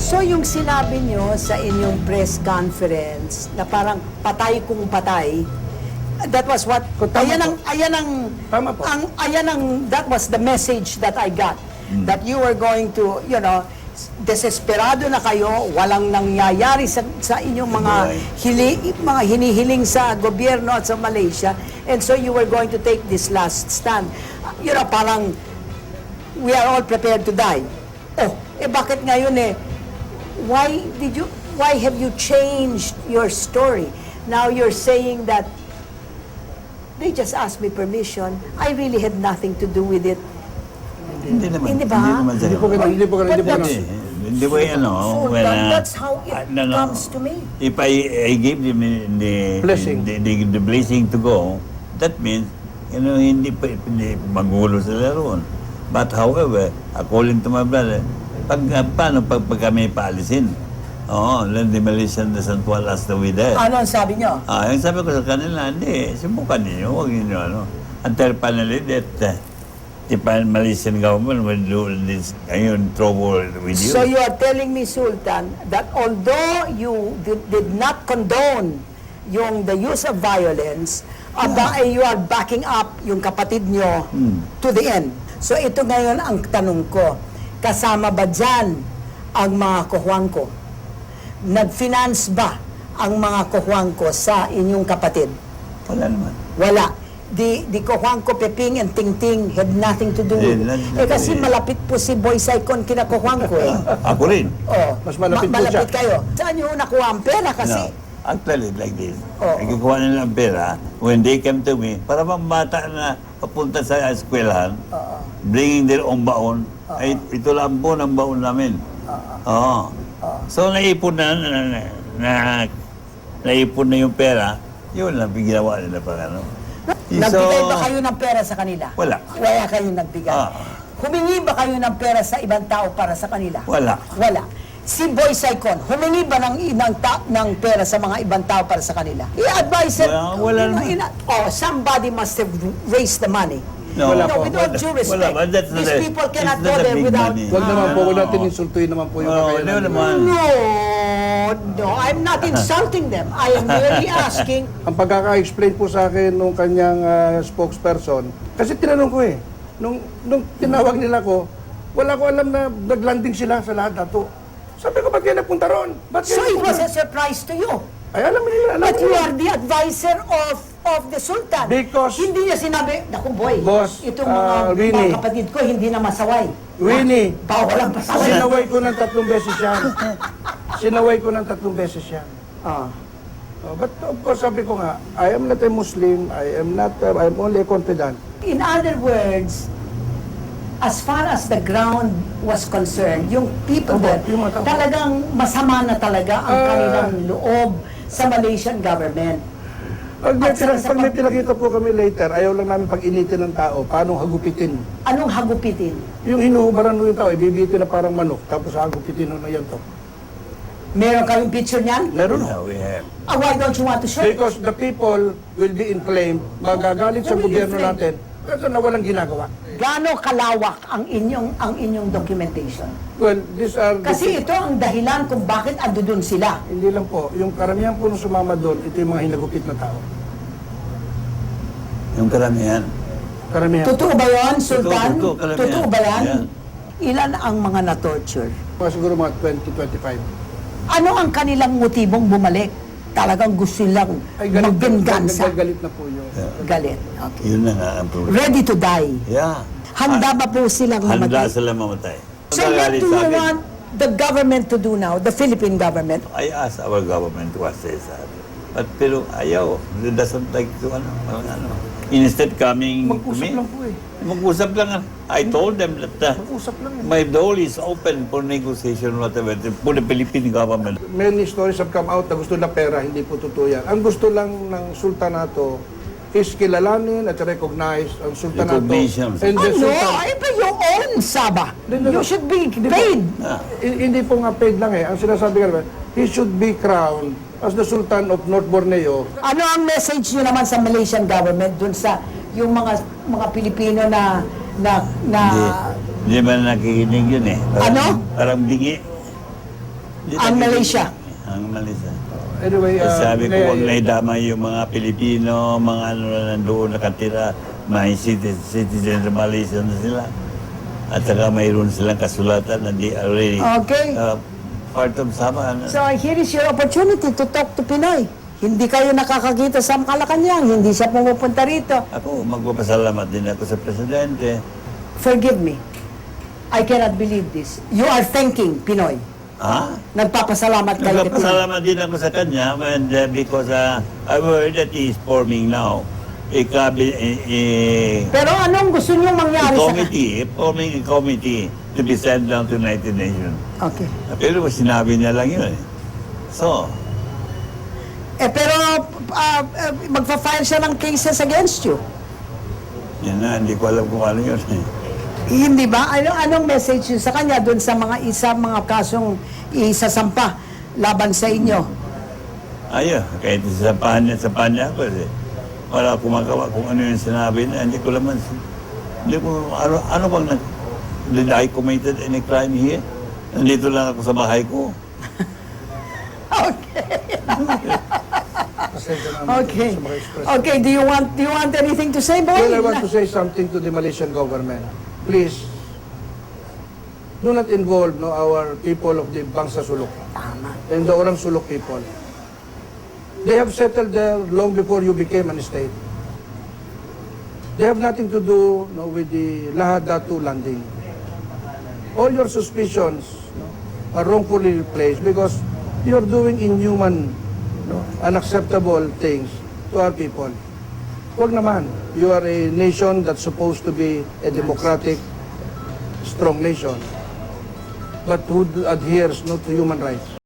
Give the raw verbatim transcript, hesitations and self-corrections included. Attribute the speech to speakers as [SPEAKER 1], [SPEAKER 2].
[SPEAKER 1] So yung sinabi nyo sa inyong press conference na parang patay kung patay, that was what,
[SPEAKER 2] Tama
[SPEAKER 1] ayan
[SPEAKER 2] po.
[SPEAKER 1] ang, ayan ang,
[SPEAKER 2] Tama po.
[SPEAKER 1] ang, ayan ang, that was the message that I got. That you were going to, you know, desesperado na kayo, walang nangyayari sa, sa inyong mga hili, mga hinihiling sa gobyerno at sa Malaysia, and so you were going to take this last stand. You know, parang we are all prepared to die. Oh, eh bakit ngayon eh, why did you, why have you changed your story? Now you're saying that they just asked me permission. I really had nothing to do with it.
[SPEAKER 3] Hindi naman.
[SPEAKER 1] Hindi ba?
[SPEAKER 3] Hindi naman
[SPEAKER 2] Hindi po ganun, hindi po ganun, hindi po
[SPEAKER 1] But
[SPEAKER 3] Hindi.
[SPEAKER 2] ganun.
[SPEAKER 3] Hindi po yan, no?
[SPEAKER 1] So
[SPEAKER 3] When,
[SPEAKER 1] that,
[SPEAKER 3] uh,
[SPEAKER 1] that's how it
[SPEAKER 3] uh, no, no.
[SPEAKER 1] comes to me.
[SPEAKER 3] If I, I give them the,
[SPEAKER 2] Blessing.
[SPEAKER 3] the, the, the blessing to go, that means, you know, hindi pa hindi magulo sila roon. But however, according to my brother, pag, uh, paano pag, pag kami paalisin? Oo, let the Malaysian doesn't want us to be there.
[SPEAKER 1] Ano ang sabi nyo?
[SPEAKER 3] Ah, yung sabi ko sa kanila, hindi, subukan ninyo, huwag ninyo, ano. Until finally that, uh, the Malaysian government will do this, ayun, trouble with you.
[SPEAKER 1] So you are telling me, Sultan, that although you did, did not condone yung the use of violence, aba, eh, you are backing up yung kapatid nyo to the end. So ito ngayon ang tanong ko, kasama ba dyan ang mga kuhuangko? Nag-finance ba ang mga kuhuangko sa inyong kapatid?
[SPEAKER 3] Wala naman.
[SPEAKER 1] Wala. Di, di Kuhuangko, Peping, and Tingting had nothing to do with it.
[SPEAKER 3] Eh, not-
[SPEAKER 1] Eh kasi malapit po si Boy Saicon kina Kuhuangko eh.
[SPEAKER 3] Ako rin.
[SPEAKER 1] Oh,
[SPEAKER 2] Mas malapit po
[SPEAKER 1] malapit
[SPEAKER 2] siya.
[SPEAKER 1] kayo. Saan nyo nakuha ang pera kasi?
[SPEAKER 3] No. Actually, like this.
[SPEAKER 1] Oo.
[SPEAKER 3] Nagkukuha nila ang pera, when they come to me, para bang bata na papunta sa eskwelahan, bringing their own baon, ay ito lang po ang baon namin. Oo. So, naipon na, na, na, na, naipon na yung pera, yun lang, ginawa nila pa ano.
[SPEAKER 1] Nagbigay ba kayo ng pera sa kanila?
[SPEAKER 3] Wala.
[SPEAKER 1] Wala kayo nagbigay.
[SPEAKER 3] Ah.
[SPEAKER 1] Humingi ba kayo ng pera sa ibang tao para sa kanila?
[SPEAKER 3] Wala.
[SPEAKER 1] Wala. Si Boy Saicon, humingi ba ng, ng, ta- ng pera sa mga ibang tao para sa kanila? I-advise
[SPEAKER 3] Wala, wala naman.
[SPEAKER 1] ina- Oh, somebody must have raised the money.
[SPEAKER 3] No,
[SPEAKER 2] Wala
[SPEAKER 1] no,
[SPEAKER 2] po.
[SPEAKER 1] with all due respect,
[SPEAKER 3] Wala, but that's not
[SPEAKER 1] these
[SPEAKER 3] a-
[SPEAKER 1] people cannot
[SPEAKER 3] it's
[SPEAKER 1] go
[SPEAKER 3] not a
[SPEAKER 1] there
[SPEAKER 3] big
[SPEAKER 1] without...
[SPEAKER 3] money.
[SPEAKER 2] Huwag naman po, huwag natin
[SPEAKER 3] Oo.
[SPEAKER 2] insultuin naman po yung
[SPEAKER 3] Oo,
[SPEAKER 2] kakayanan.
[SPEAKER 3] hindi naman.
[SPEAKER 1] No, no, I'm not insulting them. I am merely asking.
[SPEAKER 2] Ang pagkaka-explain po sa akin nung kanyang ah, spokesperson, kasi tinanong ko eh, nung, nung tinawag nila ko, wala ko alam na naglanding sila sa lahat ato. Sabi ko, ba't kayo napunta ron? Ba't
[SPEAKER 1] So
[SPEAKER 2] kayo
[SPEAKER 1] it was
[SPEAKER 2] napunta?
[SPEAKER 1] a surprise to you.
[SPEAKER 2] Ay, alam nila, alam
[SPEAKER 1] But you
[SPEAKER 2] nila.
[SPEAKER 1] are the advisor of of the Sultan.
[SPEAKER 2] Because-
[SPEAKER 1] hindi niya sinabi, naku boy,
[SPEAKER 2] Boss,
[SPEAKER 1] itong mga,
[SPEAKER 2] ah,
[SPEAKER 1] mga
[SPEAKER 2] Winnie.
[SPEAKER 1] kapatid ko hindi na masaway.
[SPEAKER 2] Winnie,
[SPEAKER 1] Bawal ang pasaway.
[SPEAKER 2] sinaway ko ng tatlong beses yan. Sinaway ko ng tatlong beses yan.
[SPEAKER 1] Ah.
[SPEAKER 2] Oh, but of course, sabi ko nga, I am not a Muslim, I am not, uh, I am only a confidant.
[SPEAKER 1] In other words, as far as the ground was concerned, yung people
[SPEAKER 2] Opo,
[SPEAKER 1] there,
[SPEAKER 2] yung mga tao.
[SPEAKER 1] talagang masama na talaga ang
[SPEAKER 2] Ah.
[SPEAKER 1] kanilang loob sa Malaysian government.
[SPEAKER 2] Pag may,
[SPEAKER 1] At sa-
[SPEAKER 2] pag may pinakita po kami later, ayaw lang namin pag-initin ng tao, paano hagupitin.
[SPEAKER 1] Anong hagupitin?
[SPEAKER 2] Yung hinuhubaran mo yung tao, ibibitin na parang manok, tapos hagupitin mo na yan to.
[SPEAKER 1] Meron kayong picture niyan?
[SPEAKER 2] Meron.
[SPEAKER 3] Yeah, we have.
[SPEAKER 1] Ah, why don't you want to show?
[SPEAKER 2] Because the people will be inflamed, magagalit sa
[SPEAKER 1] Will be
[SPEAKER 2] gobyerno
[SPEAKER 1] inflamed.
[SPEAKER 2] natin, kasi na walang ginagawa.
[SPEAKER 1] Gaano kalawak ang inyong ang inyong documentation?
[SPEAKER 2] Well, these are the
[SPEAKER 1] Kasi
[SPEAKER 2] pe-
[SPEAKER 1] ito ang dahilan kung bakit ando dun sila.
[SPEAKER 2] hindi lang po, yung karamihan po nung sumama doon, ito yung mga hinagupit na tao.
[SPEAKER 3] Yung karamihan.
[SPEAKER 2] Karamihan.
[SPEAKER 1] Totoo ba yan, Sultan?
[SPEAKER 3] Totoo, kalamihan.
[SPEAKER 1] Totoo ba yan?
[SPEAKER 3] Yan.
[SPEAKER 1] Ilan ang mga na-torture?
[SPEAKER 2] Mga siguro mga twenty, twenty-five.
[SPEAKER 1] Ano ang kanilang motibong bumalik? Talagang gusto nilang
[SPEAKER 2] Ay, galit,
[SPEAKER 1] magbengansa.
[SPEAKER 2] galit, galit na po yun.
[SPEAKER 1] Galit. Okay.
[SPEAKER 3] Yun na nga ang problema.
[SPEAKER 1] Ready to die.
[SPEAKER 3] Yeah.
[SPEAKER 1] Handa ba po silang
[SPEAKER 3] Handa
[SPEAKER 1] mamatay?
[SPEAKER 3] sila mamatay.
[SPEAKER 1] So what
[SPEAKER 3] Magagalit
[SPEAKER 1] do
[SPEAKER 3] sa
[SPEAKER 1] you
[SPEAKER 3] akin.
[SPEAKER 1] want the government to do now, the Philippine government?
[SPEAKER 3] I asked our government to assess us. But pero ayaw. They doesn't like to ano. Parang ano. Instead coming to
[SPEAKER 2] Mag-usap
[SPEAKER 3] me.
[SPEAKER 2] lang po eh.
[SPEAKER 3] Mag-usap lang. I told them that uh,
[SPEAKER 2] Mag-usap lang eh.
[SPEAKER 3] my door is open for negotiation whatever for the Philippine government.
[SPEAKER 2] Many stories have come out na gusto na pera, hindi po totoo yan. Ang gusto lang ng sultanato is kilalanin at recognize ang sultanato.
[SPEAKER 3] Recognition.
[SPEAKER 2] And the
[SPEAKER 1] Ano?
[SPEAKER 2] sultan,
[SPEAKER 1] Ay, pa yung own Sabah.
[SPEAKER 2] Hindi,
[SPEAKER 1] You
[SPEAKER 2] hindi.
[SPEAKER 1] should be
[SPEAKER 2] Hindi po.
[SPEAKER 1] paid.
[SPEAKER 3] Ah.
[SPEAKER 2] I- hindi po nga paid lang eh. Ang sinasabi ka naman, he should be crowned as the Sultan of North Borneo.
[SPEAKER 1] Ano ang message nyo naman sa Malaysian government dun sa yung mga mga Pilipino na na na
[SPEAKER 3] Hindi, hindi man nakikinig yun eh. Parang,
[SPEAKER 1] Ano?
[SPEAKER 3] Parang bingi. Hindi
[SPEAKER 1] Ang
[SPEAKER 3] na-
[SPEAKER 1] Malaysia.
[SPEAKER 3] Ang Malaysia.
[SPEAKER 2] Anyway,
[SPEAKER 3] Eh,
[SPEAKER 2] uh,
[SPEAKER 3] sabi ko,
[SPEAKER 2] may-
[SPEAKER 3] huwag na idama yung mga Pilipino, mga ano na nandoon nakatira, mga citizen, citizen ng Malaysia na sila. At saka mayroon silang kasulatan na di already
[SPEAKER 1] Okay.
[SPEAKER 3] uh, part of Sabah. Ano?
[SPEAKER 1] So here is your opportunity to talk to Pinoy. Hindi kayo nakakakita sa Malacanang, hindi siya pumupunta rito.
[SPEAKER 3] Ako, magpapasalamat din ako sa Presidente.
[SPEAKER 1] Forgive me. I cannot believe this. You are thanking Pinoy.
[SPEAKER 3] Ha?
[SPEAKER 1] Nagpapasalamat kayo kay Pinoy.
[SPEAKER 3] Nagpapasalamat din ako sa kanya and, uh, because uh, I heard that he is forming now a, cabi- a, a,
[SPEAKER 1] Pero anong gusto niyong
[SPEAKER 3] a
[SPEAKER 1] mangyari sa...
[SPEAKER 3] committee, forming a committee to be sent down to United Nations.
[SPEAKER 1] Okay.
[SPEAKER 3] Pero sinabi niya lang yun eh. So,
[SPEAKER 1] Eh pero ah, ah, magfa-file siya ng cases against you.
[SPEAKER 3] yan na, hindi ko alam kung ano yun eh.
[SPEAKER 1] Hindi ba? Ano, anong message yun sa kanya doon sa mga isa mga kasong isasampa laban sa inyo?
[SPEAKER 3] Ayun, kahit sa panya, sa panya ako eh. Wala akong magawa kung ano yung sinabi na, hindi ko naman, hindi ko, ano, ano bang nag, did I committed any crime here? Nandito lang ako sa bahay ko.
[SPEAKER 2] Pasensya na
[SPEAKER 1] Okay.
[SPEAKER 2] sa mga express.
[SPEAKER 1] Okay, do you want do you want anything to say, boy?
[SPEAKER 2] Well, I want to say something to the Malaysian government. Please, do not involve no, our people of the Bangsa Sulok and the Orang Sulok people. They have settled there long before you became an state. They have nothing to do no, with the Lahad Datu landing. All your suspicions no, are wrongfully placed because you are doing inhuman, no, unacceptable things to our people. Huwag naman. You are a nation that's supposed to be a democratic, strong nation, but who adheres no, to human rights.